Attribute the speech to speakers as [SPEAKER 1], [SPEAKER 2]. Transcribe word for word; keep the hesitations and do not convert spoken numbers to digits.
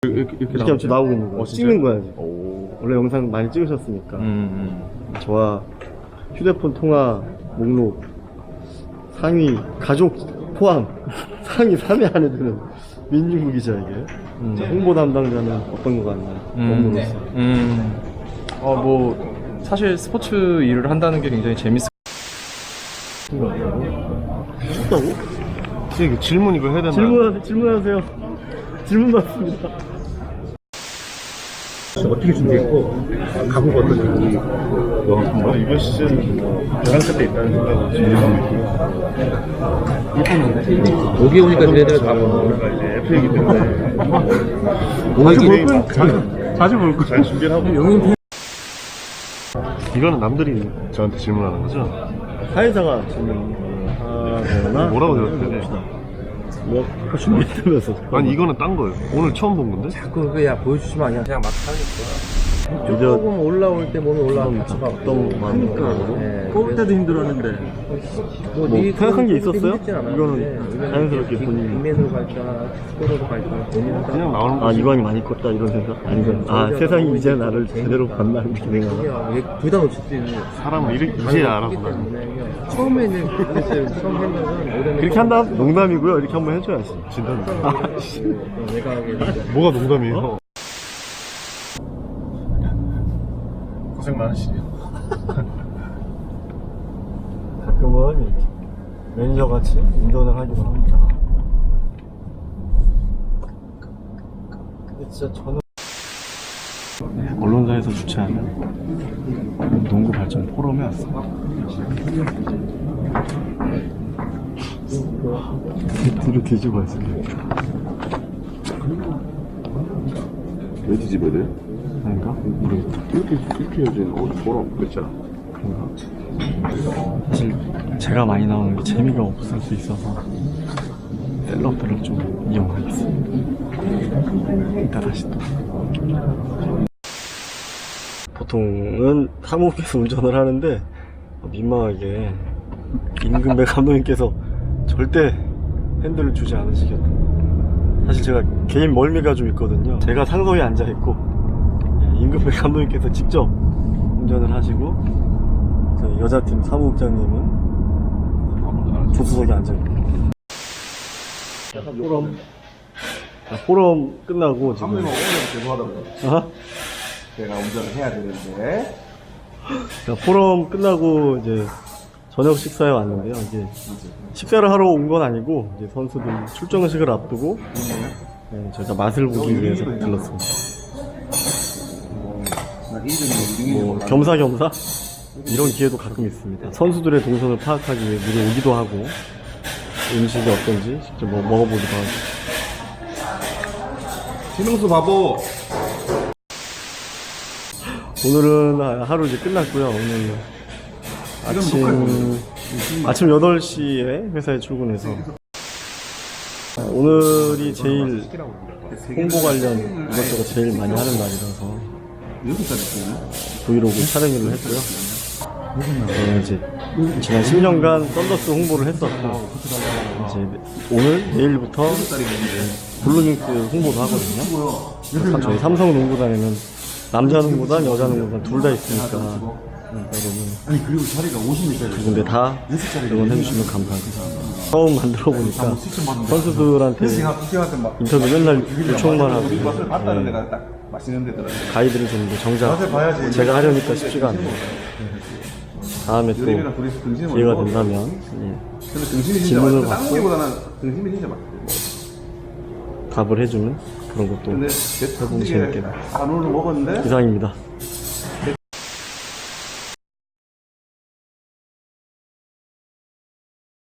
[SPEAKER 1] 이렇게, 이렇게,
[SPEAKER 2] 이렇게 하면 지금 나오고 있는 거야.
[SPEAKER 1] 어,
[SPEAKER 2] 찍는 거야 지금.
[SPEAKER 1] 오.
[SPEAKER 2] 원래 영상 많이 찍으셨으니까.
[SPEAKER 1] 음, 음.
[SPEAKER 2] 저와 휴대폰 통화 목록 상위 가족 포함 상위 삼 위 안에 드는 민중구 기자 이게.
[SPEAKER 1] 음.
[SPEAKER 2] 자, 홍보 담당자는 어떤 거 같나요? 업무로서.
[SPEAKER 1] 음. 어, 뭐 사실 스포츠 일을 한다는 게 굉장히 재밌어.
[SPEAKER 2] 춥다고?
[SPEAKER 1] 이게 질문 이거 해야 되나?
[SPEAKER 2] 질문 질문하세요. 질문 받습니다.
[SPEAKER 3] 어떻게 준비했고 각오가 어떤지
[SPEAKER 1] 뭐 이번 시즌 열한 살 때 있다는 생각으로 준비했고
[SPEAKER 3] 여기 오니까 걔네들 다 뭐.
[SPEAKER 1] 우리가 이제 에프에이기 때문에
[SPEAKER 3] 자주 볼
[SPEAKER 1] 거야.
[SPEAKER 3] 자주, 자주 볼 거야.
[SPEAKER 1] 잘 준비를 하고
[SPEAKER 3] 영인
[SPEAKER 1] 이거는 남들이 저한테 질문하는 거죠?
[SPEAKER 2] 사회자가 질문 하거나
[SPEAKER 1] 뭐라고 대답해야 돼?
[SPEAKER 2] 뭐 준비했다면서.
[SPEAKER 1] 아니 이거는 딴 거예요. 오늘 처음 본 건데?
[SPEAKER 3] 자꾸 그야 보여주시면 아니야. 그냥 막 하는 거야.
[SPEAKER 2] 이제
[SPEAKER 3] 조금 올라올 때 몸이 올라오면 같이 가.
[SPEAKER 2] 어떤 마음으로?
[SPEAKER 3] 네,
[SPEAKER 2] 뽑을 때도 힘들었는데
[SPEAKER 3] 뭐,
[SPEAKER 2] 뭐
[SPEAKER 3] 네
[SPEAKER 2] 생각한 게
[SPEAKER 3] 그것도
[SPEAKER 2] 있었어요?
[SPEAKER 3] 힘들진 않았는데,
[SPEAKER 2] 이거는
[SPEAKER 3] 이거는
[SPEAKER 2] 자연스럽게
[SPEAKER 3] 빅-
[SPEAKER 2] 본인이.
[SPEAKER 3] 빅맨으로 갈까 스코어로 갈까 고민하다가
[SPEAKER 1] 그냥 나오는
[SPEAKER 2] 아
[SPEAKER 1] 거지.
[SPEAKER 2] 이관이 많이 컸다 이런 생각? 아니면 아 세상이 이제 나를 제대로 봤나 이렇게 생각하나?
[SPEAKER 3] 둘 다 놓칠 수 있는
[SPEAKER 1] 사람은 이렇게 이제 알아보나.
[SPEAKER 3] 처음에는 그랬어요. 처음 생각은
[SPEAKER 2] 그렇게 한다면 농담이고요. 이렇게 한번 해줘야지.
[SPEAKER 1] 진단.
[SPEAKER 3] 내가 하게
[SPEAKER 1] 뭐가 농담이에요? 고생 많으시네요.
[SPEAKER 2] 가끔은 이렇게 매니저 같이 운전을 하기도 합니다. 근데 진짜 저는 언론사에서 주최하는 농구 발전 포럼에 왔어요. 뒤로 뒤집어 있어요.
[SPEAKER 1] 왜 뒤집어야 돼?
[SPEAKER 2] 아닌가? 모르겠다.
[SPEAKER 1] 이렇게 이렇게 해야지. 어디 보라 그랬잖아.
[SPEAKER 2] 사실 제가 많이 나오는 게 재미가 없을 수 있어서 셀럽들을 좀 이용하겠습니다. 이따 다시 또. 보통은 사무국에서 운전을 하는데 민망하게 임금배 감독님께서 절대 핸들을 주지 않으시겠다. 사실 제가 개인 멀미가 좀 있거든요. 제가 상석에 앉아있고 임금배 감독님께서 직접 운전을 하시고 저희 여자팀 사무국장님은 조수석에 앉아있고. 포럼 포럼 끝나고 지금
[SPEAKER 4] 오늘 죄송하다고요.
[SPEAKER 2] 어?
[SPEAKER 4] 제가 운전을 해야 되는데.
[SPEAKER 2] 그러니까 포럼 끝나고 이제 저녁 식사에 왔는데요. 이제 식사를 하러 온 건 아니고 이제 선수들 출정식을 앞두고 네, 저희가 맛을 보기 위해서 들렀습니다. 뭐 겸사겸사 이런 기회도 가끔 있습니다. 선수들의 동선을 파악하기 위해 미리 오기도 하고 음식이 어떤지 직접 뭐 먹어보기도 하고.
[SPEAKER 4] 신흥수 바보.
[SPEAKER 2] 오늘은 하루 이제 끝났고요. 오늘 아침 아침 여덟 시에 회사에 출근해서 오늘이 제일 홍보 관련 이것저것 제일 많이 하는 날이라서 브이로그 촬영을 했고요. 저는 이제 지난 십 년간 썬더스 홍보를 했었고 이제 오늘 내일부터 블루닝스 홍보도 하거든요. 저희 삼성 농구단에는 남자 농구단, 여자 농구단 둘 다 있으니까 여러분
[SPEAKER 4] 아니 그리고 자리가 오십 미터.
[SPEAKER 2] 두 군데 다 응원해주시면 감사하겠습니다. 처음 만들어 보니까 선수들한테 인터뷰 맨날 요청만 하고
[SPEAKER 4] 우리 맛을 봤다는
[SPEAKER 2] 네,
[SPEAKER 4] 데가 딱 맛있는 데더라.
[SPEAKER 2] 가이드를 줬는데 정작 제가 하려니까 쉽지가 않네요. 다음에 또
[SPEAKER 4] 여름이랑 둘이서 등심을
[SPEAKER 2] 기회가
[SPEAKER 4] 먹어.
[SPEAKER 2] 된다면 예,
[SPEAKER 4] 근데 등심이 진짜
[SPEAKER 2] 질문을
[SPEAKER 4] 맛있어.
[SPEAKER 2] 받고
[SPEAKER 4] 다른 고기보다는 등심이 진짜 맛있어.
[SPEAKER 2] 답을 해주는 그런 것도
[SPEAKER 4] 근데
[SPEAKER 2] 해보면 재밌겠네요.
[SPEAKER 4] 한우를 먹었는데
[SPEAKER 2] 이상입니다.